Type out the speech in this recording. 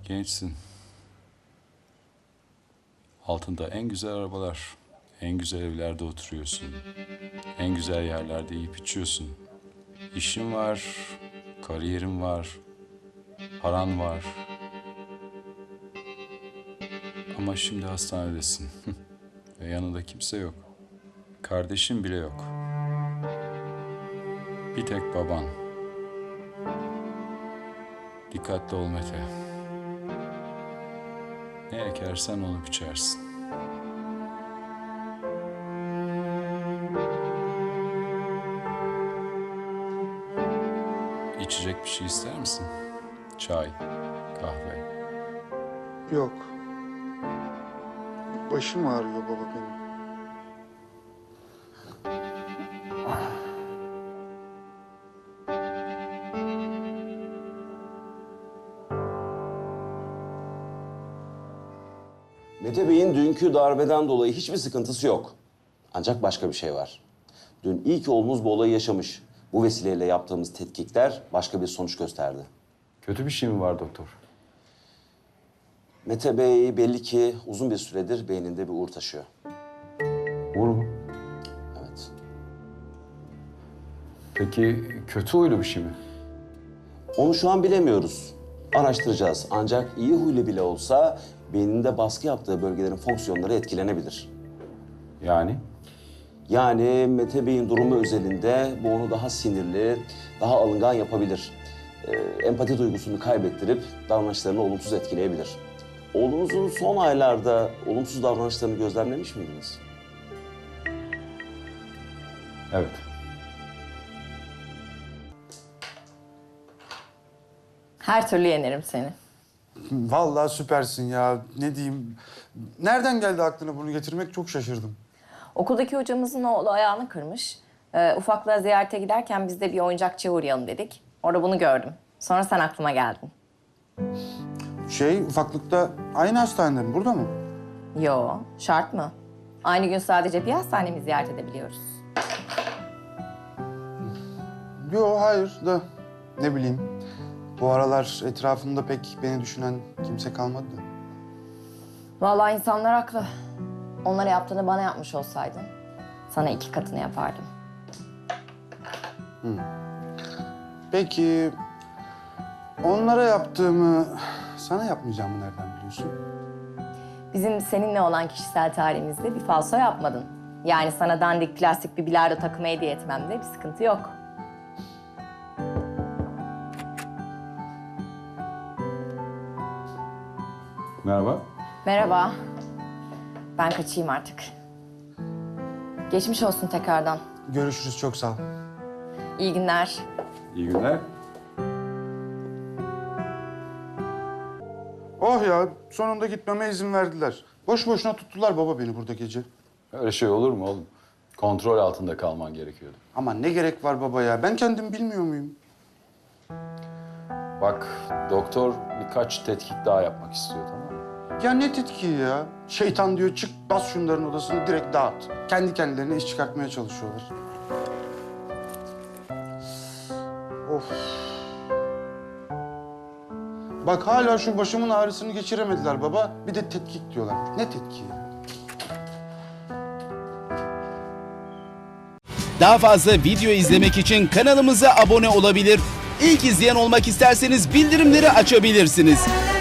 Gençsin. Altında en güzel arabalar, en güzel evlerde oturuyorsun. En güzel yerlerde yiyip içiyorsun. İşin var, kariyerin var, paran var. Ama şimdi hastanedesin. Ve yanında kimse yok. Kardeşin bile yok. Bir tek baban. Dikkatli ol Mete. Ne ekersen onu biçersin. İçecek bir şey ister misin? Çay, kahve. Yok. Başım ağrıyor baba benim. Mete Bey'in dünkü darbeden dolayı hiçbir sıkıntısı yok. Ancak başka bir şey var. Dün ilk oğlumuz bu olayı yaşamış. Bu vesileyle yaptığımız tetkikler başka bir sonuç gösterdi. Kötü bir şey mi var doktor? Mete Bey belli ki uzun bir süredir beyninde bir uğur taşıyor. Uğur mu? Evet. Peki kötü huylu bir şey mi? Onu şu an bilemiyoruz. Araştıracağız. Ancak iyi huylu bile olsa beyninde baskı yaptığı bölgelerin fonksiyonları etkilenebilir. Yani? Yani Mete Bey'in durumu özelinde bu onu daha sinirli, daha alıngan yapabilir. Empati duygusunu kaybettirip davranışlarını olumsuz etkileyebilir. Oğlunuzun son aylarda olumsuz davranışlarını gözlemlemiş miydiniz? Evet. Her türlü yenerim seni. Vallahi süpersin ya. Ne diyeyim? Nereden geldi aklına bunu getirmek çok şaşırdım. Okuldaki hocamızın oğlu ayağını kırmış. Ufaklığa ziyarete giderken biz de bir oyuncakçıya uğrayalım dedik. Orada bunu gördüm. Sonra sen aklıma geldin. Ufaklıkta aynı hastanede mi? Burada mı? Yo, şart mı? Aynı gün sadece bir hastanemi ziyaret edebiliyoruz. Yo, hayır da ne bileyim. Bu aralar etrafımda pek beni düşünen kimse kalmadı da. Vallahi insanlar haklı. Onlara yaptığını bana yapmış olsaydın, sana 2 katını yapardım. Peki onlara yaptığımı sana yapmayacağımı nereden biliyorsun? Bizim seninle olan kişisel tarihimizde bir falso yapmadın. Yani sana dandik plastik bir bilardo takımı hediye etmemde bir sıkıntı yok. Merhaba. Merhaba. Ben kaçayım artık. Geçmiş olsun tekrardan. Görüşürüz, çok sağ ol. İyi günler. İyi günler. Oh ya, sonunda gitmeme izin verdiler. Boş boşuna tuttular baba beni burada gece. Öyle şey olur mu oğlum? Kontrol altında kalman gerekiyordu. Ama ne gerek var baba ya? Ben kendim bilmiyor muyum? Bak doktor birkaç tetkik daha yapmak istiyor, tamam mı? Ya ne tetkiği ya? Şeytan diyor çık bas şunların odasını direkt dağıt. Kendi kendilerine iş çıkartmaya çalışıyorlar. Of. Bak hala şu başımın ağrısını geçiremediler baba. Bir de tetkik diyorlar. Ne tetkiği ya? Daha fazla video izlemek için kanalımıza abone olabilir. İlk izleyen olmak isterseniz bildirimleri açabilirsiniz.